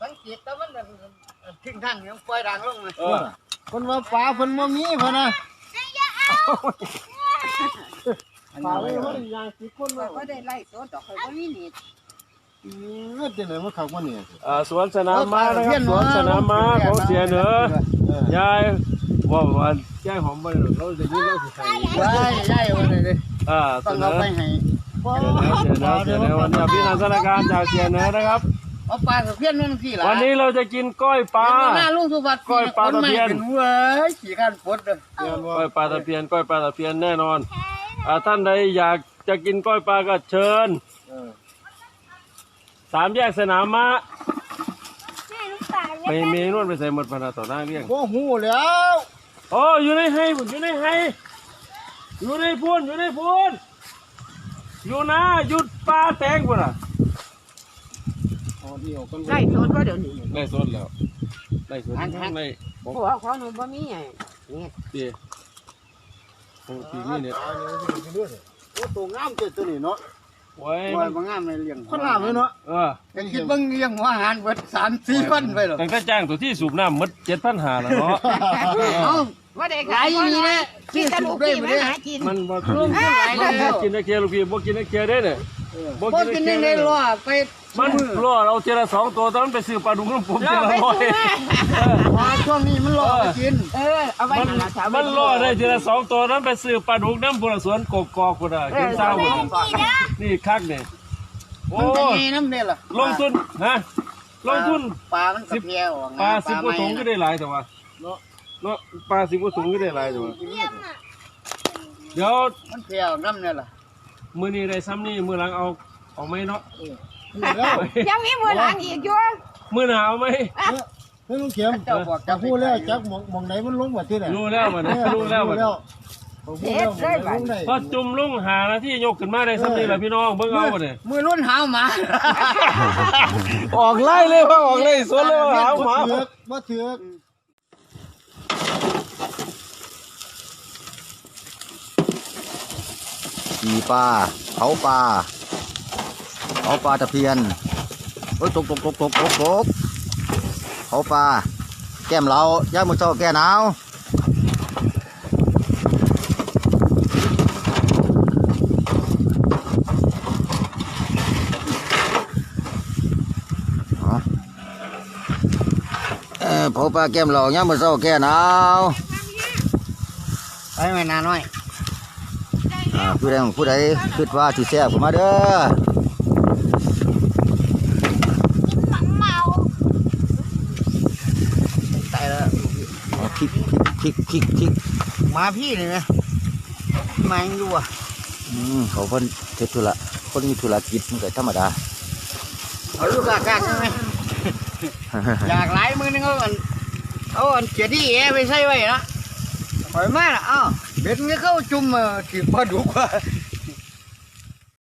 สังเกตแต่มันทิ้งทางยังปล่อยด่างลงเลยคนว่าปลาคนบ่มีพะนะปลาไม่มันยางสิคนว่าก็ได้ไล่ตัวดอกเขาก็มีนิดเดี๋ยวมันเข้ามาเนี่ยสวนสนามม้านะครับสวนสนามม้าของเสียเหนือยายว่าแจ้งหอมไปเราจะยืดเราสิใส่ได้วันนี้เลยต้องเอาไปให้เสียเหนือวันนี้พี่นันทนาการจากเสียเหนือนะครับเอาปลาตะเพียนนั่นที่ละวันนี้เราจะกินก้อยปลาหน้าลุงสุภัทรก้อยปลาตะเพียนเว้ยขี่กันปดเลยก้อยปลาตะเพียนก้อยปลาตะเพียนแน่นอนท่านใดอยากจะกินก้อยปลาก็เชิญ3 แยกสนามม้าไปเมนวนไปใส่หมดพนาต่อหน้าเรียงโอ้โหแล้วโอ้อยู่ในไฮอยู่ในไฮอยู่ในพูนอยู่ในพูนอยู่นะหยุดปลาแตงพุ่นอ่ะไล่สดก็เดี๋ยวนี้ไล่สดแล้วไล่สดไล่หัวของหนูบ่มีไงนี่เตี๋ยปีนี้เนี่ยโอ้ตัวงามตัวนี้เนาะไว้บางงามในเลี้ยงคนงามเลยเนาะยังคิดบ้างเลี้ยงหัวอาหารเบิด3-4 คนไปหรอตั้งแต่จ้างตัวที่สูบน้ำมัด7,500แล้วเนาะว่าได้ขายนี่นะกินกระดูกพี่มันหากินมันบ่กินได้เคียลูกพี่บ่กินได้เคียได้เนี่ยบ่กินได้รอไปมันรอเราเจอละ2 ตัวตอนนั้นไปซื้อปลาดุกน้ำผมเจอละ100 ช่วงนี้มันรอกินเอาไว้มันรอได้เจอละ2 ตัวนั้นไปซื้อปลาดุกน้ำบุรสวนกกอกคนอ่ะกินเช้าคนนี่คักเนี่ยโอ้น้ำเนี่ยล่ะลงทุนฮะลงทุนปลามัน10 แก้วปลา10 กว่าถุงก็ได้หลายแต่ว่าเนาะปลา10 กว่าถุงก็ได้หลายแต่ว่าเดี๋ยวมันเพียวน้ำเนี่ยล่ะมื้อนี้ได้ซ้ำนี่มื้อหลังเอาไหมเนาะยังมีมือหลังอีกอยู่มื้อหน้าเอาไหมเฮ้ยลุงเข็มจะพูดแล้วจักมองไหนมันลงแบบที่ไหนรู้แล้วมันรู้แล้วมันพอจุ่มลุงหานาที่ยกขึ้นมาได้ซ้ำนี่แหละพี่น้องเบิ่งเอาบ่เนี่ยมือรุ่นหาวหมาออกไล่เลยว่าออกเลยสวนเลยหาวหมาบ่เถือกขี่ปลาเผาปลาตะเพียนโอ้ยตกเผาปลาแก้มเราย่ามือเช้าแก้หนาวเผาปลาแก้มเราย่ามือเช้าแก้หนาวไปไม่นานน้อยผู้ใดคิดว่าสิแซ่บขึ้นมาเด้อตายแล้วพริกมาพี่เลยนะมายังอยู่เขาคนเทธุระคนมีธุรกิจมันก็ธรรมดาเอาลูกกากใช่ไหมอยากหลายมือนึงเอาอันเกียรติไปใส่ไว้นะปล่อยมาละเบ็ดมันเข้าจุ่มถือปลาดุกว่า